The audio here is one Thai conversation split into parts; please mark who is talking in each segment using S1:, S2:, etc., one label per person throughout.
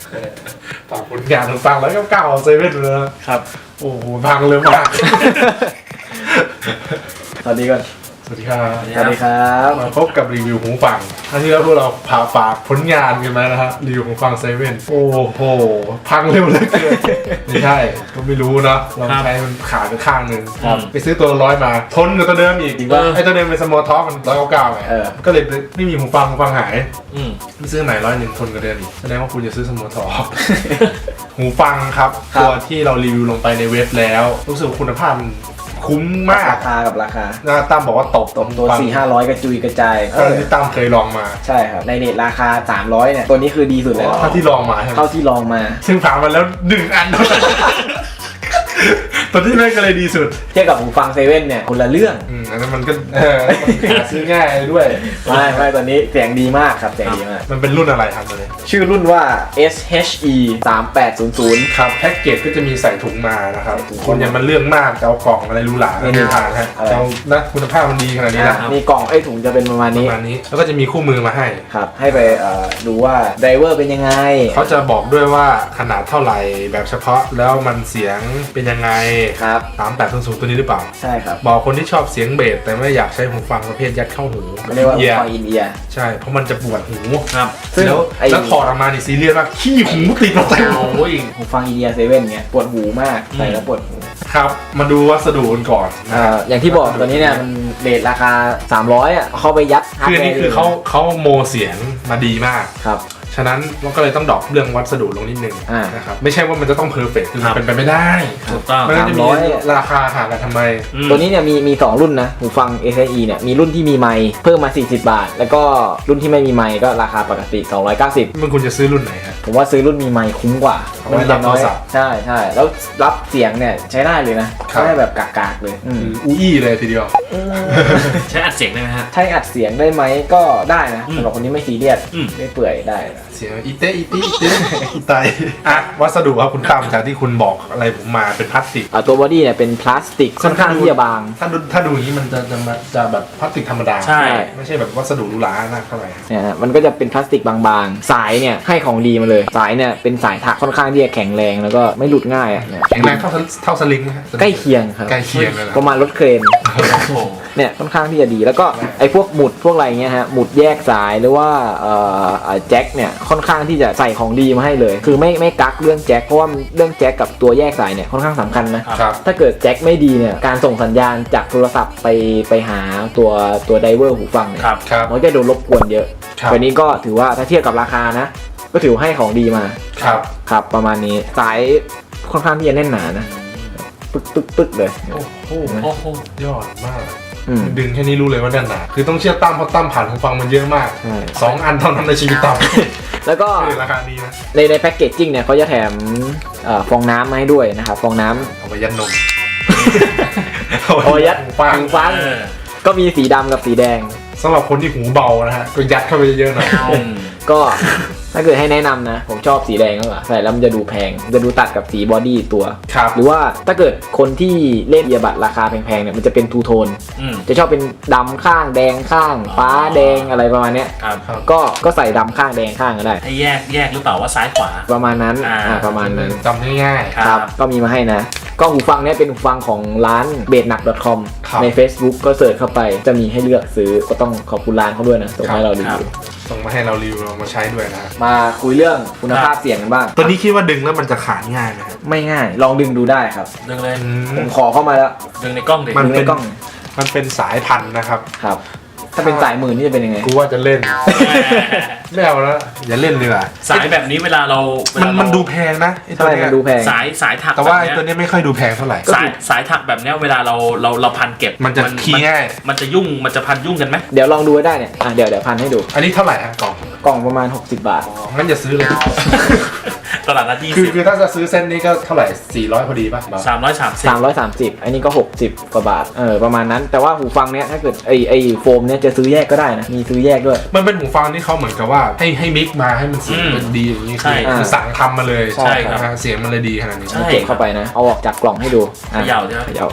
S1: ฝากผลงานฟังแล้วก็ก้าวเซเว่นเลยนะครับโอ้โหพังเลยมาก
S2: สวัสดีก่อน
S1: สวัสดีครับ
S2: สวัสดีครับ
S1: มาพบกับรีวิวหูฟังครั้งที่แล้วพวกเราฝากผลงานกันมานะฮะรีวิวหูฟังเซเว่นโอ้โหพังเร็วเหลยเกินไม่ใช่ก็ไม่รู้เนาะเราใช้มันขาดไปข้างหนึ่งไปซื้อตัว100มาทนกับตัวเดิมอีกไอ้ตัวเดิมเป็นสมอลท็อปมัน199ไงก็เลยไม่มีหูฟังหายไม่ซื้อไหน101ทนกับเดิมอีกแสดงว่าคุณจะซื้อสมอลท็อป หูฟังครับตัวที่เรารีวิวลงไปในเว็บแล้วรู้สึกคุณภาพมันคุ้มมาก
S2: ราคากับราคา
S1: ตั้มบอกว่าตบ
S2: ตัว 4-500 กระจุยกระจาย
S1: ที่ตั้มเคยลองมา
S2: ใช่ครับในเน็ตราคา300เนี่ยตัวนี้คือดีสุดแล้ว
S1: เท่าที่ลองมาใช่ไหม
S2: เท่าที่ลองมา
S1: ซึ่งผ่านมาแล้ว1 อันตัวที่ไม่ก็เลยดีสุด
S2: เทียบกับหูฟังเซเว่นเนี่ยคนละเรื่อง
S1: อันนั้นมันก็หาซื้อง่ายด้วย
S2: ไม่ตัวนี้เสียงดีมากครับเสียงดีมาก
S1: มันเป็นรุ่นอะไรครับตัวนี้
S2: ชื่อรุ่นว่า SHE 3800
S1: ครับแพ็กเกจก็จะมีใส่ถุงมานะครับคุณอย่ามันเรื่องมากจะเอากล่องอะไรรู้หลาไม่ทานฮะเอานะคุณภาพมันดีขนาดนี้นะ
S2: มีกล่องไอ้ถุงจะเป็นประมาณนี้
S1: แล้วก็จะมีคู่มือมาให้
S2: ครับให้ไปดูว่าไดรเวอร์เป็นยังไง
S1: เขาจะบอกด้วยว่าขนาดเท่าไหร่แบบเฉพาะแล้วมันเสียงเป็นยังไง
S2: ครับ
S1: 3800ตัวนี้หรือเปล่า
S2: ใช่ครับ
S1: บอกคนที่ชอบเสียงเบสแต่ไม่อยากใช้หูฟังประเภทยัดเข้าหู
S2: เรียกว่าหูฟังอินเอียร์
S1: ใช่เพราะมันจะปวดหู
S2: ครับ
S1: แล้วถอดออกมานี่ซีเรียสมากขี้หูติดมาเต็ม
S2: หูฟังอินเอียร์เซเว่นเนี่ยปวดหูมากใส่แล้วปวดหู
S1: ครับมาดูวัสดุกันก่อน
S2: อย่างที่บอกตัวนี้เนี่ยมันเรทราคา300เข้าไปยัด
S1: คือนี่คือเขาโมเสียงมาดีมาก
S2: ครับ
S1: ฉะนั้นเราก็เลยต้องดรอปเรื่องวัสดุลงนิดนึงนะครับไม่ใช่ว่ามันจะต้องเพอร์เฟกต์คือมันเป็นไปไม่ได้
S2: ถูกต้อง
S1: มันจะมีราคาห่างกันทำไม
S2: ตัวนี้เนี่ยมี2รุ่นนะหูฟัง SHE เนี่ยมีรุ่นที่มีไมค์เพิ่มมา40 บาทแล้วก็รุ่นที่ไม่มีไมค์ก็ราคาปกติ290
S1: มันคุณจะซื้อรุ่นไหนฮะ
S2: ผมว่าซื้อรุ่นมีไมค์คุ้มกว่า
S1: มันรับโทรศัพท์
S2: ใช่แล้วรับเสียงเนี่ยใช้ได้เลยนะไม่ได้แบบกากๆเลย
S1: อู้เลยทีเดียว
S3: ใช้อัดเสียงได้ไหมฮะ
S2: ใช้อัดเสียงได้ไหมก็ได้นะสำหรับคนที่ไม่ซีเรียสไม่เปื่อยได้
S1: เสียงอีเต้ตายวัสดุครับคุณตั้มจากที่คุณบอกอะไรผมมาเป็นพลาสติก
S2: ตัวบอดี้เนี่ยเป็นพลาสติกค่อนข้างที่จะบาง
S1: ถ้าดูอย่างนี้มันจะแบบพลาสติกธรรมดา
S2: ใช่
S1: ไม่ใช่แบบวัสดุหรูหราหนักเท่าไหร่
S2: เนี่ยมันก็จะเป็นพลาสติกบางๆสายเนี่ยให้ของดีมาเลยสายเนี่ยเป็นสายถักค่อนข้างที่จะแข็งแรงแล้วก็ไม่หลุดง่ายอ่ะ
S1: แข็งแรงเท่าสลิง
S2: ใกล้เคียงครับ
S1: ใกล้เคียงเลย
S2: ประมาณรถเครนเนี่ยค่อนข้างที่จะดีแล้วก็ไอ้พวกหมุดพวกอะไรเงี้ยฮะหมุดแยกสายหรือว่าแจ็คเนี่ยค่อนข้างที่จะใส่ของดีมาให้เลยคือไม่กักเรื่องแจ็คเพราะว่าเรื่องแจ็คกับตัวแยกสายเนี่ยค่อนข้างสำคัญนะถ้าเกิดแจ็คไม่ดีเนี่ยการส่งสัญญาณจากโทรศัพท์ไปหาตัวไดเวอร์หูฟังเนี่ยมันจะโดนรบกวนเยอะวันนี้ก็ถือว่าถ้าเทียบกับราคานะก็ถือให้ของดีมาครับประมาณนี้สายค่อนข้างที่จะแน่นหนานะปึ๊กเลย
S1: โอ้โหยอดมากดึงแค่นี้รู้เลยว่าแน่นหนาคือต้องเชื่อตั้มเพราะตั้มผ่านหูฟังมันเยอะมาก2 อันเท่านั้นในชีวิตตั้ม
S2: แล้วก็
S1: ราคานี้นะ
S2: ในแพ็กเกจจิ้งเนี่ยเขาจะแถมฟองน้ำมาให้ด้วยนะครับฟองน้ำ
S1: เอาไปยัดนม
S2: เอายัดหูฟังก็มีสีดำกับสีแดง
S1: สำหรับคนที่หูเบานะฮะก็ยัดเข้าไปเยอะๆหน่อย
S2: ก็ถ้าเกิดให้แนะนำนะผมชอบสีแดงมากกว่าใส่แล้วมันจะดูแพงจะดูตัดกับสีบอดี้ตัวหรือว่าถ้าเกิดคนที่เล่นเอียบัตราคาแพงๆเนี่ยมันจะเป็นทูโทนจะชอบเป็นดำข้างแดงข้างฟ้าแดงอะไรประมาณเนี้ยก็ใส่ดำข้างแดงข้างก็ได้
S3: ให้แยกหรือเปล่าว่าซ้ายขวา
S2: ประมาณนั้นประมาณนั้น
S1: จำง่าย
S2: ๆครับก็มีมาให้นะก็หูฟังเนี้ยเป็นหูฟังของร้าน bednak.com ใน Facebook ก็เสิร์ชเข้าไปจะมีให้เลือกซื้อก็ต้องขอบคุณร้านเขาด้วยนะส่งให้เรารีวิว
S1: ส่งมาให้เรารีวิวเรามาใช้ด้วยนะ
S2: มาคุยเรื่องคุณภาพเสียงกันบ้าง
S1: ตัวนี้คิดว่าดึงแล้วมันจะขาดง่ายไหมครับ
S2: ไม่ง่ายลองดึงดูได้ครับ
S3: ดึงเลย
S2: ผมขอเข้ามาแล้ว
S3: ดึงในกล้องดิ
S1: มันเป็นสายพันนะครับ
S2: ถ้าเป็นสายหมื่นนี่จะเป็นยังไง
S1: กูว่าจะเล่นไม่เอาแล้วอย่าเล่นเลยอ่ะ
S3: สายแบบนี้เวลาเรา
S1: มันดูแพงนะ
S2: ไอ้ตัวนี้มันดูแพง
S3: สายถัก
S1: แต่ว่าไอ้ตัวนี้ไม่ค่อยดูแพงเท่าไหร่
S3: สายถักแบบนี้เวลาเราพันเก็บ
S1: มันจะขี้ง่าย
S3: มันจะยุ่งมันจะพันยุ่งกันไหม
S2: เดี๋ยวลองดูได้เนี่ยเดี๋ยวพันให้ดู
S1: อันนี้เท่าไหร่ฮะ
S2: กล่องประมาณ60 บาท
S1: งั้นอย่าซื้อเลย
S3: ตลาดนัด
S1: คือถ้าจะซื้อเส้นนี้ก็เท่าไหร่400พอดีป่ะ
S3: 330
S2: อันนี้ก็60 กว่าบาทประมาณนั้นแต่ว่าหูฟังเนี้ยถ้าเกิดไอโฟมเนี้ยจะซื้อแยกก็ได้นะมีซื้อแยกด้วย
S1: มันเป็นหูฟังที่เขาเหมือนกับว่าให้มิกมาให้มันเสียงเป็นดีอย่างนี้คือสั่งทำมาเลย
S3: ใช่ครับ
S1: เสียงมันเลยดีขนาดนี้
S2: เก็บเข้าไปนะเอาออกจากกล่องให้ดู
S3: เขย่าใช่ไหม
S2: เขย่า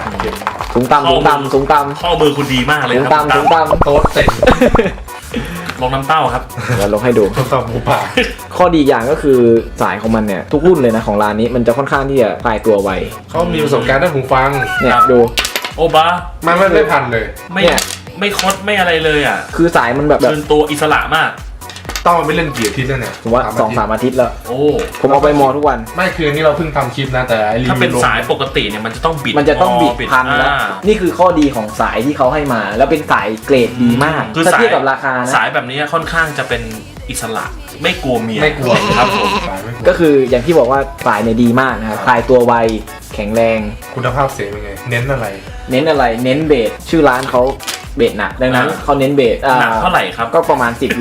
S2: สูงต่ำ
S3: ข้อมือคุณดีมากเลย
S2: ครับสูงต่ำ
S1: โต๊ะเต็ม
S3: ลงน้ำเต้าครับ
S2: เดี๋ยวลงให้ดู
S1: ทดสอบหมูป่า
S2: ข้อดีอย่างก็คือสายของมันเนี่ยทุกรุ่นเลยนะของร้านนี้มันจะค่อนข้างที่จะคลายตัวไว
S1: เขามีประสบการณ์ด้านหูฟัง
S2: เนี่ย
S3: ครับ
S2: ดู
S3: โอบา
S1: ไม่พันเลย
S3: ไม่
S2: เนี่ย
S3: ไม่คดไม่อะไรเลยอ่ะ
S2: คือสายมันแบบ
S3: เดินตัวอิสระมาก
S1: ต้องมาไม่เล่นเกียร์ทิศแล้วเนี่ย
S2: ผมว่า2-3 อาทิตย์แล้ว
S3: โอ้
S2: ผมเอาไปมอทุกวัน
S1: ไม่คืออันนี้เราเพิ่งทำคลิปนะแต่ไอรี
S3: ถ้า
S1: วิ
S3: เป็น
S1: วลง
S3: สายปกติเนี่ยมันจะต้องบิด
S2: มันจะต้องบิดพันแล้ว
S3: อ่า
S2: นี่คือข้อดีของสายที่เขาให้มา แล้วเป็นสายเกรดดีมาก
S3: คือ
S2: ถ้า
S3: สาย
S2: เทียบกับราคานะ
S3: สายแบบนี้ค่อนข้างจะเป็นอิสระไม่กลัวเมีย
S1: ไม่กลัว
S3: ครับผม
S1: สายไม่กลัว
S2: ก็คืออย่างที่บอกว่าสายเนี่ยดีมากนะครับคลายตัวไวแข็งแรง
S1: คุณภาพเสียงเป็นไง เน้นอะไร
S2: เน้นอะไรเน้นเบสชื่อร้านเขาเบสหนักดังนั้นเขาเน้นเบส
S3: หนักเท่าไหร่ครับ
S2: ก็ประมาณ 10 โล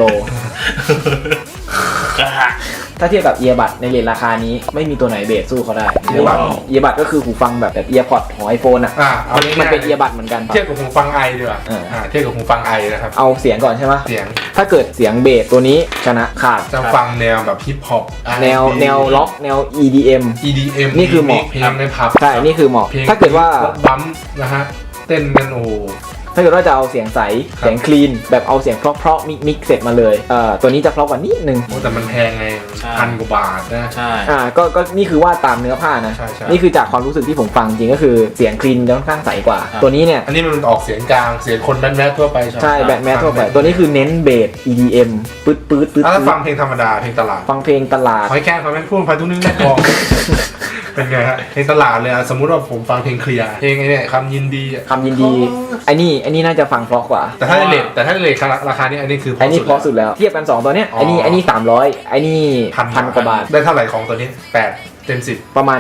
S2: ถ้าเทียบกับเอียบัดในเรทราคานี้ไม่มีตัวไหนเบสสู้เขาได้
S1: earbud
S2: เอียบัดก็คือหูฟังแบบเอียร์พอดของไอโฟนอ่ะ
S1: เอา
S2: มัน
S1: ง่ายๆ
S2: เป็นเอียบัดเหมือนกัน
S1: เทียบกับหูฟังไอดีกว่า
S2: อ่า
S1: เทียบกับหูฟังไอนะครับ
S2: เอาเสียงก่อนใช่ไหม
S1: เสียง
S2: ถ้าเกิดเสียงเบสตัวนี้ชนะขาด
S1: จะฟังแนวแบบฮิปฮอป
S2: แนวล็อกแนว EDM
S1: EDM
S2: นี่คือเหมาะ
S1: เพลงในผับ
S2: ใช่นี่คือเหมาะ
S1: เพลง
S2: ถ้าเกิดว่า
S1: บัมป์นะฮะเต้นกันโอ้โห
S2: ถ้าเกิดว่าจะเอาเสียงใสเสียงคลีนแบบเอาเสียงเพราะๆมิกเสร็จมาเลยตัวนี้จะเพราะกว่านิดนึง
S1: โอ้แต่มันแพงไง
S3: ใช่
S1: 1,000 กว่าบาทนะ
S3: ใช่
S2: ก็นี่คือว่าตามเนื้อผ้านะ
S1: ใช่ใช่
S2: นี่คือจากความรู้สึกที่ผมฟังจริงก็คือเสียงคลีนจะค่อนข้างใสกว่า
S3: ครับ
S2: ตัวนี้เนี่ย
S1: อันนี้มันออกเสียงกลางเสียงคนแมสๆทั่วไป
S2: ใช่แบบแมสทั่วไปตัวนี้คือเน้นเบส EDM ปื๊ดปื๊ดปื๊ด
S1: ถ้าฟังเพลงธรรมดาเพลงตลาด
S2: ฟังเพลงตลาด
S1: หอยแครงเขาไม่พูดไปทุกนึงแม่กลอง เป็นไงฮะเพลงตลาดเลยอะสมมุติว่าผมฟังเพลงเคลียร์เพลงไอ้เนี่ยคำยินดีอะ
S2: คำยินดีไอ้นี่น่าจะฟังเพราะกว่า
S1: แต่ถ้าเลทราคานี้อันนี้คือ
S2: ไอ้นี่เพราะสุดแล้วเทียบกัน 2 ตัวเนี้ยไอ้นี่300ไอ้นี่พันกว่าบาท
S1: ได้เท่าไหร่ของตัวนี้8 เต็ม
S2: ประมาณ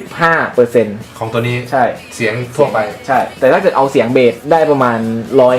S2: 85%
S1: ของตัวนี้
S2: ใช่
S1: เสียงทั่วไป
S2: ใช่ แต่ถ้าเกิดเอาเสียงเบสได้ประมาณ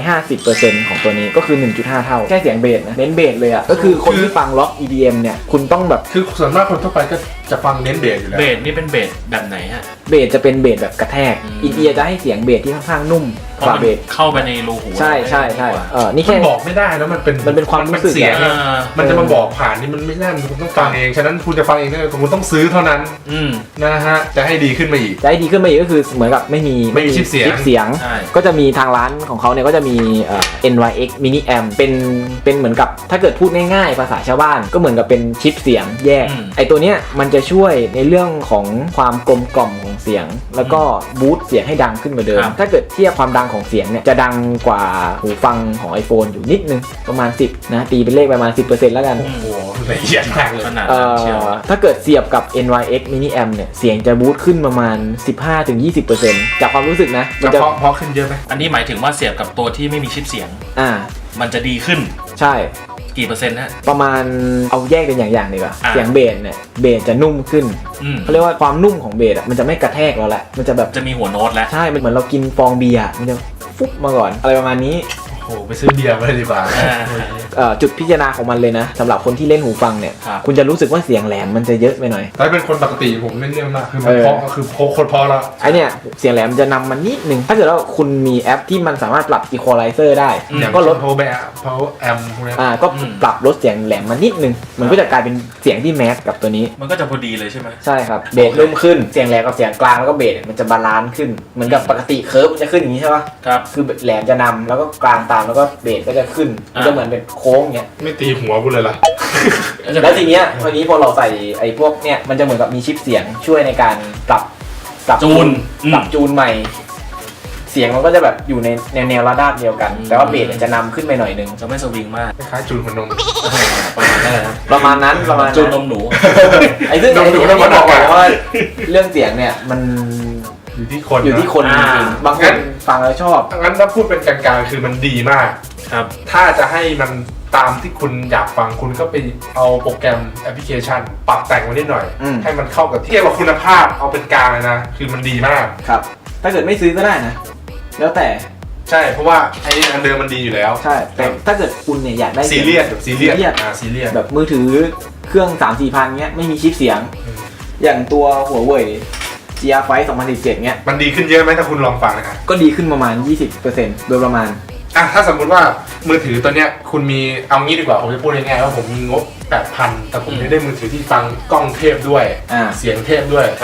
S2: 150% ของตัวนี้ก็คือ 1.5 เท่าแค่เสียงเบสนะเน้นเบสเลยอ่ะก็คือคนที่ฟังล็อก EDM เนี่ยคุณต้องแบบ
S1: คือส่วนมากคนทั่วไปก็จะฟังเน้นเบสอยู่แล้ว
S3: เบสนี่เป็นเบสแบบไหนฮะ
S2: เบสจะเป็นเบสแบบกระแทก
S3: อืม
S2: อินเอียร์จะให้เสียงเบสที่ค่อนข้างนุ่ม
S3: เพ
S2: ก
S3: ราะ
S2: ว่า
S3: มัน
S2: เบส
S3: เข้าไปในรูหู
S2: ใช่นี่
S1: มั
S2: แค่
S1: นบอกไม่ได้แล้วมันเป็น
S2: ความรู้สึก
S1: เสียง
S3: อ่า
S1: มันจะมาบอกผ่านนี่มันไม่ได้มันต้องฟังเองฉะนั้นคุณจะฟังเองได้คุณต้องซื้อเท่านั้น
S3: อืม
S1: นะฮะจะให้ดีขึ้นมาอีก
S2: จะให้ดีขึ้นมาอีกก็คือเหมือนกับไม่มี
S1: ชิปเสียง
S2: เสียง
S3: ใช่
S2: ก็จะมีทางร้านของเขาเนี่ยก็จะมีNYX Mini Amp เป็นเหมือนกับถ้าเกิดพูดง่ายๆภาษาชาวบ้านก็เหมือนกับเป็นชิปเสียงแยก ไอตัวเนี้ยมันจะช่วยในเรื่องของความกลมกล่อมของเสียง แล้วก็บูสต์เสียงให้ดังขึ้นกว่าเดิม ถ้าเกิดเทียบความดังของเสียงเนี่ยจะดังกว่าหูฟังของ iPhone อยู่นิดนึงประมาณ 10นะตีเป็นเลขประมาณ 10% แล้วกัน
S1: โอ้โหละเอียดมากเลย
S3: ขนาดนั้นเชียว
S2: ถ้าเกิดเสียบกับ NYX Mini Amp เนี่ยเสียงจะบูสต์ขึ้นประมาณ 15-20% จากความรู้สึกนะมัน
S1: จะ
S2: จะ
S1: เพราะขึ้นเยอะไหม
S3: อันนี้หมายถึงว่าเสียบกับตัวที่ไม่มีชิปเสียง
S2: อ่า
S3: มันจะดีขึ้น
S2: ใช่
S3: กี่เปอร์เซ็นต์ฮะ
S2: ประมาณเอาแยกเป็นอย่างๆดีกว่า
S3: อ่ะ
S2: เสียงเบสเนี่ยเบสจะนุ่มขึ้น
S3: อืม
S2: เขาเรียกว่าความนุ่มของเบสอ่ะมันจะไม่กระแทกเราแหละมันจะแบบ
S3: จะมีหัวโน้ตแล้ว
S2: ใช่มันเหมือนเรากินฟองเบียร์มันจะฟุบมาก่อนอะไรประมาณนี้
S1: โอ้โหไปซื้อเบียร์มาเลยดีกว่า
S2: จุดพิจารณาของมันเลยนะสำหรับคนที่เล่นหูฟังเนี่ย
S3: ครับ
S2: คุณจะรู้สึกว่าเสียงแหลมมันจะเยอะไปหน่อย
S1: ถ้าเป็นคนปกติผมไม่เรื่องมากคือมันเพราะคือโคตรเพราะแล้ว
S2: ไอเนี่ยเสียงแหลมจะนำมันนิดนึงถ้าเกิดว่าคุณมีแอปที่มันสามารถปรับ equalizer ได้
S1: อย่าง
S2: ก็ลด
S1: โพแบะเพาแอมพวกนี้
S2: ก็ปรับลดเสียงแหลมมานิดนึงมันก็จะกลายเป็นเสียงที่แมสกับตัวนี้
S3: มันก็จะพอดีเลยใช่ไหม
S2: ใช่ครับเบสนุ่มขึ้นเสียงแหลมกับเสียงกลางแล้วก็เบสมันจะบาลานซ์ขึ้นเหมือนกับปกติเคิร์ฟมันจะขึ้นอย่างนี้ใช่ปะ
S3: ครับ
S2: คือแหลมจะนำแล้วก็กลางตามแล้วก็เบสก็จะขึ้นมันจะเหมือนเป็นโค้งเงี้ย
S1: ไม่ตีหัวกูเลยล่ะ
S2: แล้วทีเนี้ยวันนี้พอเราใส่ไอ้พวกเนี้ยมันจะเหมือนกับมีชิปเสียงช่วยในการปรับ
S3: จูน
S2: ปรับจูนใหม่ เสียงมันก็จะแบบอยู่ในแนวระดับเดียวกัน แต่ว่าเบสมันจะนำขึ้นไปหน่อยนึง
S3: จะไม่สวิงมาก
S1: คล้ายๆจูนหัวนม
S3: ประมาณนั้นนะ
S2: ประมาณนั้นประมาณ
S3: จูน
S2: นั้น
S3: นมหนู
S2: ไอ้ซึ่ง
S1: นมหนู
S2: ไอ้
S1: นมหนู
S2: ที่บอกไว้ว่าเรื่องเสียงเนี่ยมัน
S1: อยู่ที่คน
S2: อยู่ที่คนจริงๆบางคนฟังแล้วชอบ
S1: งั้นถ้าพูดเป็นกลางๆคือมันดีมาก
S3: ครับ
S1: ถ้าจะให้มันตามที่คุณอยากฟังคุณก็ไปเอาโปรแกรมแอปพลิเคชัน ปรับแต่งมานิดหน่อย ให้มันเข้ากับเทียบกับคุณภาพเอาเป็นกลางเลยนะ คือมันดีมาก
S2: ครับ ถ้าเกิดไม่ซื้อก็ได้นะ แล้วแต่
S1: ใช่เพราะว่าไอ้อันเดิมมันดีอยู่แล้ว
S2: ใช่แต่ถ้าเกิดคุณเนี่ยอยากได้
S1: ซีเรียสแบบซีเรียส
S2: ซีเรียส
S1: ซีเรียส
S2: แบบมือถือเครื่อง 3-4 พันเงี้ยไม่มีชิปเสียง
S1: อืม
S2: อย่างตัวหัวเว่ย GR5 2017เงี้ย
S1: มันดีขึ้นเยอะไหมถ้าคุณลองฟังนะครับ
S2: ก็ดีขึ้นประมาณ 20%โดยประมาณ
S1: ถ้าสมมุติว่ามือถือตัวเนี้ยคุณมีเอางี้ดีกว่าผมจะพูดง่ายๆว่าผมมีงบ 8,000 แต่ผมจะได้มือถือที่ฟังกล้องเทพด้วย
S2: อ่า
S1: เสียงเทพด้วย
S3: ครับ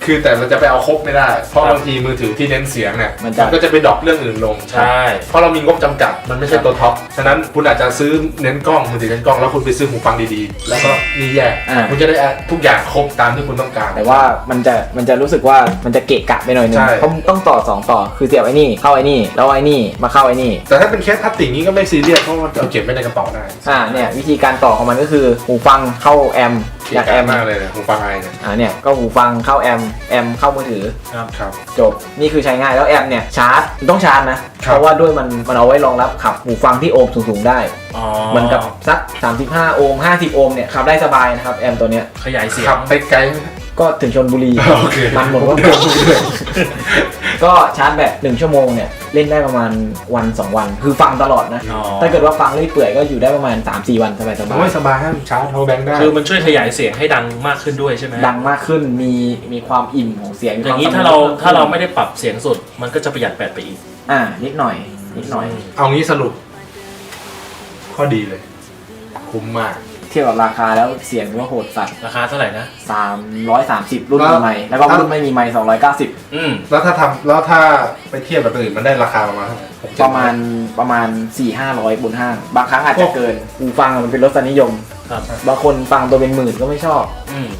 S1: คือแต่เราจะไปเอาครบไม่ได้ เพราะบางทีมือถือที่เน้นเสียงเนี่ย
S2: มันจะ
S1: ก็จะไปดรอปเรื่องอื่นลง
S3: ใช่
S1: เพราะเรามีงบจำกัดมันไม่ใช่ตัวท็อปฉะนั้นคุณอาจจะซื้อเน้นกล้องมือถือเน้นกล้องแล้วคุณไปซื้อหูฟังดีๆแล้วก็นี่แยกคุณจะได้ทุกอย่างครบตามที่คุณต้องการ
S2: แต่ว่ามันจะรู้สึกว่ามันจะเกะกะไปหน่อยนึง
S1: ใช่
S2: เพราะต้องต่อ2ต่อคือเสียบไอ้นี่เข้าไอ้นี่แล้วไอ้นี่มาเข้าไอ้นี่
S1: แต่ถ้าเป็นเคสพลาสติกนี้ก็ไม่ซีเรียสเพราะมันเอาเก็บไว้ในกระเป๋าได้
S2: เนี่ยวิธีการต่อของมันก็คือหูฟังเข้าแอม
S1: เก๋
S2: จากแอม
S1: มากเลยเนี่ยหูฟังไอเนี่ย
S2: เนี่ยก็หูฟังเข้าแอมเข้ามือถือ
S1: ครับ
S2: จบนี่คือใช้ง่ายแล้วแอมเนี่ยชาร์จต้องชาร์จนะ
S1: ครับ
S2: เพราะว่าด้วยมันเอาไว้รองรับขับหูฟังที่โอห์มสูงๆได้
S3: อ๋อ
S2: เหมือนกับสัก35โอห์ม50โอห์มเนี่ยขับได้สบายนะครับแอมตัวเนี้ย
S3: ขยายเสียง
S1: ขับไปไกลไหม
S2: ก็ถึงชลบุรี
S1: โอเค
S2: มันหมดว่าก็ชาร์จแบต1ชั่วโมงเนี่ยเล่นได้ประมาณวัน2วันคือฟังตลอดนะ
S3: อ๋อ
S2: ถ้าเกิดว่าฟังเรื่อยเปื่อยก็อยู่ได้ประมาณ 3-4 วันสบาย
S1: โอ้ยสบายให้ชาร์จโทรแบงค์ได้
S3: คือมันช่วยขยายเสียงให้ดังมากขึ้นด้วยใช่ไหม
S2: ๆดังมากขึ้นมีความอิ่มของเสียงมี
S3: อ
S2: คว
S3: ย่างนี้
S2: สมูท
S3: ถ้าเราไม่ได้ปรับเสียงสุด มันก็จะประหยัดแบตไปอีก
S2: นิดหน่อย
S1: เอางี้สรุปข้อดีเลย คุ้มมาก
S2: เทียบกับราคาแล้วเสียงถือว่าโหดสัตว์
S3: ราคาเท่าไหร่นะ
S2: 330 รุ่นมีไมค์แล้วก็รุ่นไม่มีไมค์290
S3: อืม
S1: แล้วถ้าไปเทียบกับตัวอื่นมันได้ราคาประมาณเท่าไหร่6-7
S2: ประมาณ 4-500บนห้าง บางครั้งอาจจะเกินหูฟังมันเป็นรสนิยม
S3: ครับ
S2: บางคนฟังตัวเป็นหมื่นก็ไม่ชอบ
S3: อืม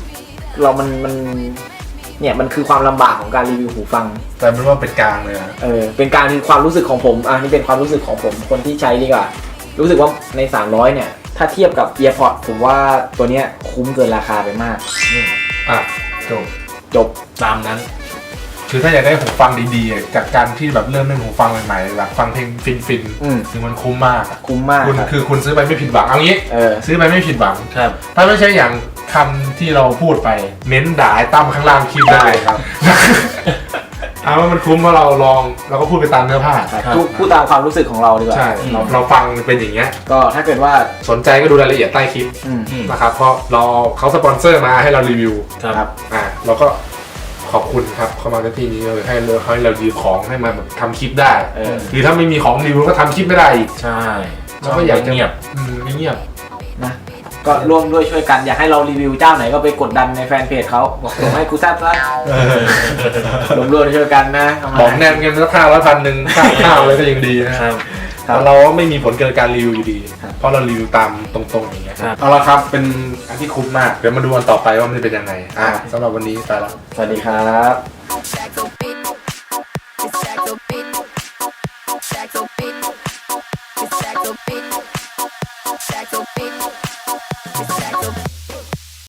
S2: มันคือความลำบากของการรีวิวหูฟัง
S1: แต่เป็นว่าเป็นกลางเลยนะ
S2: เป็นการคือความรู้สึกของผมนี่เป็นความรู้สึกของผมคนที่ใช้ดีกว่า รู้สึกว่าใน 300 เนี่ย ถ้าเทียบกับ EarPods ผมว่าตัวเนี้ยคุ้มเกินราคาไปมาก
S1: อ่ะจบ
S3: ตามนั้น
S1: คือถ้าอยากได้หูฟังดีๆจากการที่แบบเริ่มเล่นหูฟังใหม่ๆแบบฟังเพลงฟิน
S2: อืม
S1: คือมันคุ้มมากอะ
S2: คุ้มมาก
S1: คุณ
S2: ครับ
S1: คือคุณซื้อไปไม่ผิดหวังเอางี้ ซื้อไปไม่ผิดหวัง
S3: ครับ
S1: ถ้าไม่ใช่อย่างคำที่เราพูดไป เม้นด่าไอ้ตั้มข้างล่างคลิปได้ครับ เอาว่ามันคุ้มเพราะเราลองเราก็พูดไปตามเนื้อผ้า
S2: พูดตามความรู้สึกของเราดีกว่า
S1: ใช่เราฟังเป็นอย่างเงี้ย
S2: ก็ถ้าเกิดว่า
S1: สนใจก็ดูรายละเอียดใต้คลิป
S2: อืม
S1: นะครับเพราะเขาสปอนเซอร์มาให้เรารีวิว
S3: ครับ
S1: เราก็ขอบคุณครับเข้ามาในที่นี้เลยให้เรารีวิวของให้มาแบบทำคลิปได้หรือถ้าไม่มีของรีวิวก็ทำคลิปไม่ได้อีก
S3: ใช่
S1: เราก็อยากจะ
S3: เงียบ
S1: เงียบ
S2: นะก็ร่วมด้วยช่วยกันอยากให้เรารีวิวเจ้าไหนก็ไปกดดันในแฟนเพจเขาบอกส่งให้กูแซ่บซะร่วมช่วยกันนะเอามา
S1: บอกแนมกันสัก500-1,000ค่าข้าวอะไรก็ยังดีนะครับ แต่เราไม่มีผลเกินการรีวิวอยู่ดี เพราะเรารีวิวตามตรงๆอย่างเงี้ย
S3: ครับ
S1: เอาละครับเป็นอันที่คุ้มมากเดี๋ยวมาดูกันต่อไปว่ามันจะเป็นยังไงสำหรับวันนี้ไปละ
S2: สวัสดีครับ